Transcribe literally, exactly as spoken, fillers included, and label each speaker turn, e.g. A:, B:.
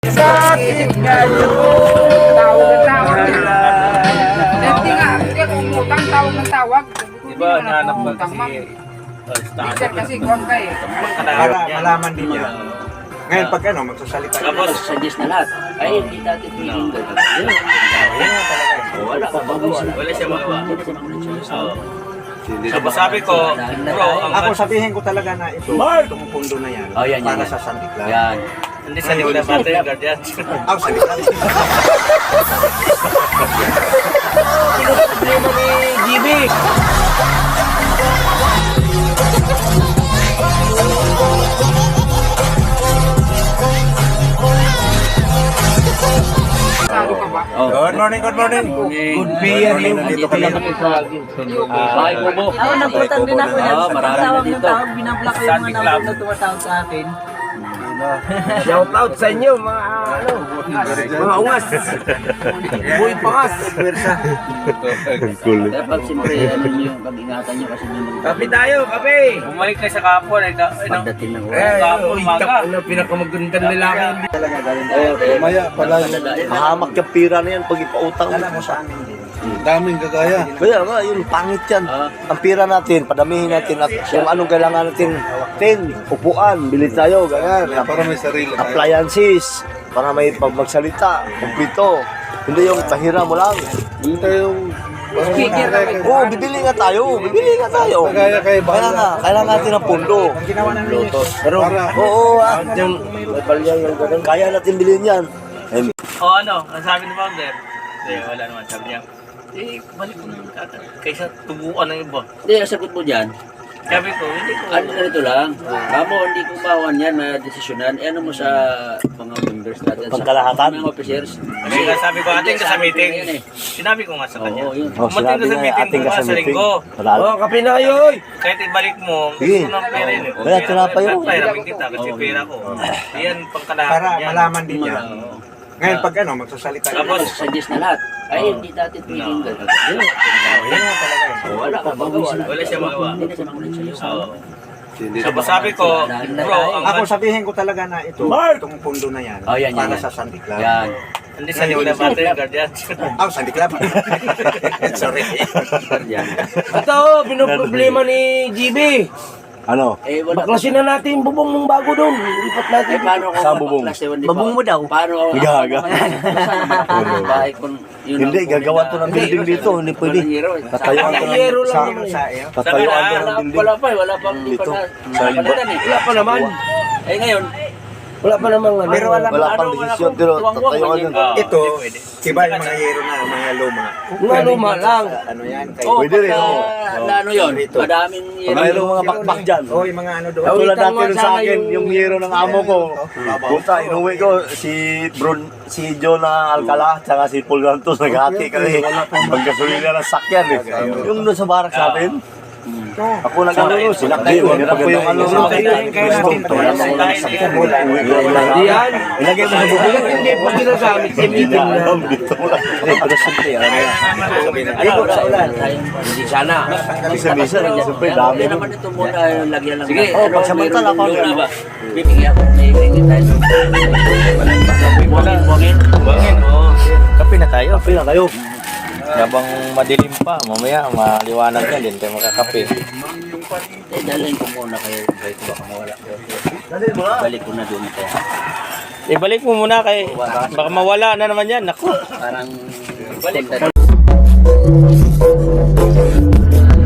A: Sa akin ngayon.
B: Tawag ng tawag. Hindi nga, hindi ako umutang, tawag ng tawag.
A: Diba, nahanap mo
B: Umutang, ma'am.
A: kasi
B: Teacher kasi, kuwan ka eh.
C: Para malaman din niya. Ngayon pag ano, magsasalita niya.
A: Tapos,
D: Suggest na lahat. Ay, hindi natin pwedeng gano'n. Yun.
C: Yun nga talaga.
D: Wala pa magawa.
A: wala siya magawa.
D: Hindi na siya makulit.
A: Oo. Tapos sabi ko, bro, ang
C: Ako sabihin ko talaga na ito, itong pundo na yan,
D: Oh, yan, yan,
C: para
D: yan.
C: sa Santiklan.
D: Yan.
A: hindi sa nila bata yung guardian.
C: Ah, Santiklan.
A: Problema ni G B.
B: Sado ka ba?
D: Oh.
C: Good morning, good morning. Good beer you. Dito kami.
D: Ay, Bobo.
E: Ako nagpunta din ako yan.
D: Oo, marami
E: Tawag
D: na
E: ng
D: dito.
E: tawag, binablock ko yung
A: Sunday
E: mga
A: Club.
E: number na tumatawag sa akin.
F: Shout out sa inyo mga ano, mga ungas. Buhay pangas.
D: Dapat siyempre, ano nyo, pag-ingatan nyo kasi may mga
F: Kape tayo, kape.
A: Bumalik kayo sa kapon. Ay, ka- ay, nang-
D: pagdating ng
F: Eh,
D: oras.
A: Kapon, maga.
F: ano, pinakamagandang lalaki.
G: Mamaya pala mahamak yung pira na yan pag ipautang
C: Alam mo sa amin din.
G: daming gagaya. Kaya nga, yun, pangit yan.
D: Ah.
G: Ang pira natin, padamihin natin at kung anong kailangan natin, tin, upuan, bili tayo, ganyan.
H: Para may sarili tayo.
G: Appliances, para may pag magsalita, kumplito. Hindi yung tahira mo lang.
H: Hindi tayo
B: Speaker na may
G: Oo, oh, bibili nga tayo, bibili nga tayo.
H: Kaya kay
G: Kaya nga, kailangan natin ng pundo.
C: Ang ginawa namin yun.
G: Pero, oo, ah, yung, may balyang yung ganun, kaya natin bilhin yan. Eh,
A: O ano, ang sabi ni founder? Eh, wala naman. Sabi niya, eh, balik ko ng kata. Kaysa tubuan ng iba.
D: Hindi, ang sagot mo dyan,
A: Sabi ko, hindi ko.
D: ano na ito lang, kamo, hindi ko bawan yan na desisyonan, eh, ano mo sa mga members natin,
G: Pangkalahatan?
D: sa mga officers.
A: Kasi nga sabi ko, ating ka sa meeting.
D: Yan eh.
A: Sinabi ko nga sa kanya.
D: Oo, yun.
G: oh,
A: Umating
G: sinabi
A: ka sa
G: nga,
A: meeting
G: ating ka
A: bukas
G: sa
A: sa
G: meeting.
A: linggo.
G: Wala.
F: Oh, kape na kayo, oy.
A: Kahit ibalik mo,
G: Sige.
A: gusto ng pera yun. eh.
G: Kaya tinapay yun.
A: Pahiramin kita kasi pera ko. Yan, pangkalahatan
C: Para
A: yan.
C: malaman din niya.
D: Oo.
C: Ngayon pag ano, magsasalita niya.
A: Tapos,
D: Suggest na lahat. Ay, hindi natin pwedeng gano'n. Yun.
C: Yun nga talaga.
D: Wala pa magawa.
A: Wala siya magawa.
D: Hindi na siya makulit sa'yo.
A: Oo. Tapos sabi ko, bro, ang
C: Ako sabihin ko talaga na ito, itong pundo na yan,
D: Oh, yan, yan,
C: para
D: yan.
C: sa Santiklan.
D: Yan.
A: hindi sa nila bata yung guardian.
C: Ah, Santiklan. Sorry.
D: Yan.
F: Ito, pinoproblema ni G B.
G: Ano?
D: Eh, wala pa.
F: Baklasin na natin yung bubong mong bago doon. Lipat natin.
D: Eh, paano kung
G: Saan bubong?
D: baklas, eh, hindi
E: Babong
D: pa-
E: mo daw.
D: Paano ako?
G: Gaga.
D: Bahay kung yun
G: Hindi,
D: ang kunin
G: gagawa
D: na-
G: to ng building dito, hindi pwede.
D: Walang hero, eh.
G: Tatayuan to ng
F: Hero lang
C: Sa
F: naman.
C: sa iyo.
G: Tatayuan to
D: Wala,
G: ng
D: wala,
G: building.
D: wala pa eh, wala pang di pa
G: Dito.
D: na.
G: Sa
D: napalitan eh.
F: Wala pa naman.
D: Eh ngayon,
F: Wala pa naman ano.
C: Pero alam mo,
G: Wala pang
D: ano, wala
G: desisyon,
D: pang
G: pero
D: tuwang-tuwang
G: tatayuan
D: man
G: yun.
D: yun.
C: ito, iba yung mga hero na, mga luma.
F: Mga luma lang.
C: Ano yan? Kay,
D: oh,
G: Pwede rin,
D: pagka,
G: oo.
D: na ano yun,
C: Dito.
D: madaming
G: Pag
D: hero.
G: mayroong mga bakbak dyan.
C: oh, yung mga ano doon.
G: Tulad
F: Awitan mo
G: dati rin sa
F: sana
G: akin,
F: yung-
G: yung hero ng amo ko. Puta, inuwi ko si Bron, si John na Alcala, tsaka si Paul Gantos, naghati kami. Pagkasulila ng sakyan eh. Yung doon sa barak sa atin. Ako nag-ano, sinakay ko. Hirap ko yung ano.
C: Kaya natin ito.
F: Hindi yan.
G: Ilagay mo sa bubong.
F: Hindi po ginagamit sa meeting na.
G: Dito mo lang.
D: Ayun, sa ulan.
F: Hindi sana.
G: Misa-misa, siyempre dami.
D: Hindi naman ito muna, yung lagyan lang.
F: Sige,
G: oh, pagsamantala
D: mayroong
G: pa.
D: luna ba? Bibigyan ako, may bibigyan tayo. Buwangin, buwangin.
A: Bangin, oh. Kape na tayo.
G: Kape na kayo.
A: Habang madilim pa, mamaya maliwanag na din tayo makakape.
D: Eh, dalhin ko muna kayo. Balik ko baka mawala.
G: Dali mo na.
D: Balik ko na doon kaya.
A: Ibalik mo muna kay baka mawala na naman yan. Naku.
D: Parang balik na